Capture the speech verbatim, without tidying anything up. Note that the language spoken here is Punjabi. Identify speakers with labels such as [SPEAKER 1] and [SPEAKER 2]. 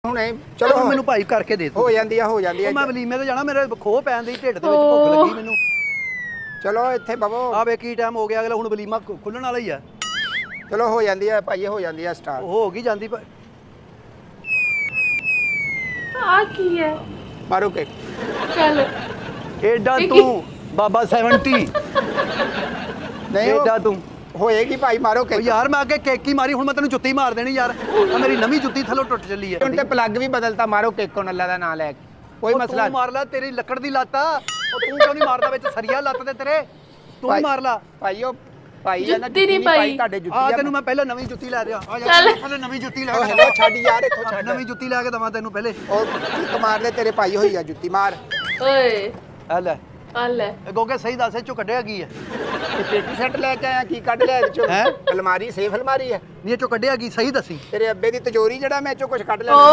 [SPEAKER 1] ਹੁਣੇ ਚਲੋ
[SPEAKER 2] ਹੁਣ ਮੈਨੂੰ ਭਾਈ ਕਰਕੇ ਦੇ
[SPEAKER 1] ਹੋ ਜਾਂਦੀ ਆ ਹੋ ਜਾਂਦੀ ਆ
[SPEAKER 2] ਮੈਂ ਵਲੀਮੇ ਤੇ ਜਾਣਾ ਮੇਰੇ ਖੋਹ ਪੈਣ ਦੀ ਢਿੱਡ ਦੇ ਵਿੱਚ ਭੁੱਖ ਲੱਗੀ ਮੈਨੂੰ।
[SPEAKER 1] ਚਲੋ ਇੱਥੇ ਬਵੋ
[SPEAKER 2] ਆ ਵੇ ਕੀ ਟਾਈਮ ਹੋ ਗਿਆ ਅਗਲਾ ਹੁਣ ਵਲੀਮਾ ਖੁੱਲਣ ਵਾਲਾ ਹੀ ਆ।
[SPEAKER 1] ਚਲੋ ਹੋ ਜਾਂਦੀ ਆ ਭਾਈ ਹੋ ਜਾਂਦੀ ਆ ਸਟਾਰਟ
[SPEAKER 2] ਹੋ ਗਈ ਜਾਂਦੀ
[SPEAKER 3] ਆ ਕੀ ਹੈ
[SPEAKER 1] ਮਾਰੋ ਕੇ
[SPEAKER 3] ਚੱਲ
[SPEAKER 2] ਏਡਾ ਤੂੰ ਬਾਬਾ ਸੈਵੰਟੀ
[SPEAKER 1] ਨਹੀਂ ਉਹ
[SPEAKER 2] ਏਡਾ ਤੂੰ
[SPEAKER 1] ਹੋਏਗੀ ਭਾਈ ਮਾਰੋ
[SPEAKER 2] ਓ
[SPEAKER 1] ਕੇ
[SPEAKER 2] ਯਾਰ ਮੈਂ ਅੱਗੇ ਕੇਕੀ ਮਾਰੀ ਹੁਣ ਮੈਂ ਤੈਨੂੰ ਜੁੱਤੀ ਮਾਰ ਦੇਣੀ ਯਾਰ ਆ ਮੇਰੀ ਨਵੀਂ ਜੁੱਤੀ ਥੱਲੋਂ ਟੁੱਟ ਚੱਲੀ ਹੈ।
[SPEAKER 1] ਹੁਣ ਤੇ ਪਲੱਗ ਵੀ ਬਦਲਤਾ ਮਾਰੋ ਕੇਕ ਕੋਨ ਅੱਲਾ ਦਾ ਨਾਮ ਲੈ ਕੇ ਕੋਈ
[SPEAKER 2] ਉਹ
[SPEAKER 1] ਮਸਲਾ
[SPEAKER 2] ਤੂੰ ਮਾਰ ਲੈ ਤੇਰੀ ਲੱਕੜ ਦੀ ਲੱਤ ਆ ਉਹ ਤੂੰ ਕਿਉਂ ਨਹੀਂ ਮਾਰਦਾ ਵਿੱਚ ਸਰੀਆ ਲੱਤ ਤੇ ਤੇਰੇ ਤੂੰ ਹੀ
[SPEAKER 1] ਭਾਈ-
[SPEAKER 2] ਮਾਰ ਲਾ
[SPEAKER 1] ਭਾਈ ਉਹ ਭਾਈ ਆ ਨਾ
[SPEAKER 3] ਜੁੱਤੀ ਨਹੀਂ ਪਾਈ।
[SPEAKER 1] ਤੁਹਾਡੇ ਜੁੱਤੀ
[SPEAKER 2] ਆ
[SPEAKER 1] ਆ
[SPEAKER 2] ਤੈਨੂੰ ਮੈਂ ਪਹਿਲਾਂ ਨਵੀਂ ਜੁੱਤੀ ਲੈ ਦਿਆਂ ਆ ਜਾ
[SPEAKER 3] ਚੱਲ।
[SPEAKER 2] ਪਹਿਲਾਂ ਨਵੀਂ ਜੁੱਤੀ ਲੈ
[SPEAKER 1] ਉਹ
[SPEAKER 2] ਕੇ
[SPEAKER 1] ਹੈਲੋ ਛੱਡ ਯਾਰ ਇੱਥੋਂ ਛੱਡ
[SPEAKER 2] ਨਵੀਂ ਜੁੱਤੀ ਲੈ ਕੇ ਦਵਾਂ ਤੈਨੂੰ ਪਹਿਲੇ
[SPEAKER 1] ਉਹ ਕਿੱਕ ਮਾਰ ਲੈ ਤੇਰੇ ਭਾਈ ਹੋਈ ਆ ਜੁੱਤੀ ਮਾਰ
[SPEAKER 3] ਓਏ
[SPEAKER 2] ਆ ਲੈ
[SPEAKER 3] ਆ ਲੈ
[SPEAKER 2] ਇਹ ਗੋਗੇ ਸਹੀ ਦੱਸ ਇਹ ਚੋਂ ਕੱਢਿਆ ਕੀ ਹੈ
[SPEAKER 1] ਤੇ ਪੇਟੀ ਸੈੱਟ ਲੈ ਕੇ ਆਇਆ ਕੀ ਕੱਢ ਲਿਆ ਇਹਦੇ ਚੋਂ
[SPEAKER 2] ਹੈਂ?
[SPEAKER 1] ਅਲਮਾਰੀ ਸੇਫ ਅਲਮਾਰੀ ਹੈ
[SPEAKER 2] ਨਹੀਂ ਇਹ ਚੋਂ ਕੱਢਿਆ ਕੀ ਸਹੀ ਦੱਸੀ
[SPEAKER 1] ਤੇਰੇ ਅੱਬੇ ਦੀ ਤਿਜੋਰੀ ਜਿਹੜਾ ਮੈਂ ਇਹ ਚੋਂ ਕੁਝ ਕੱਢ ਲਿਆ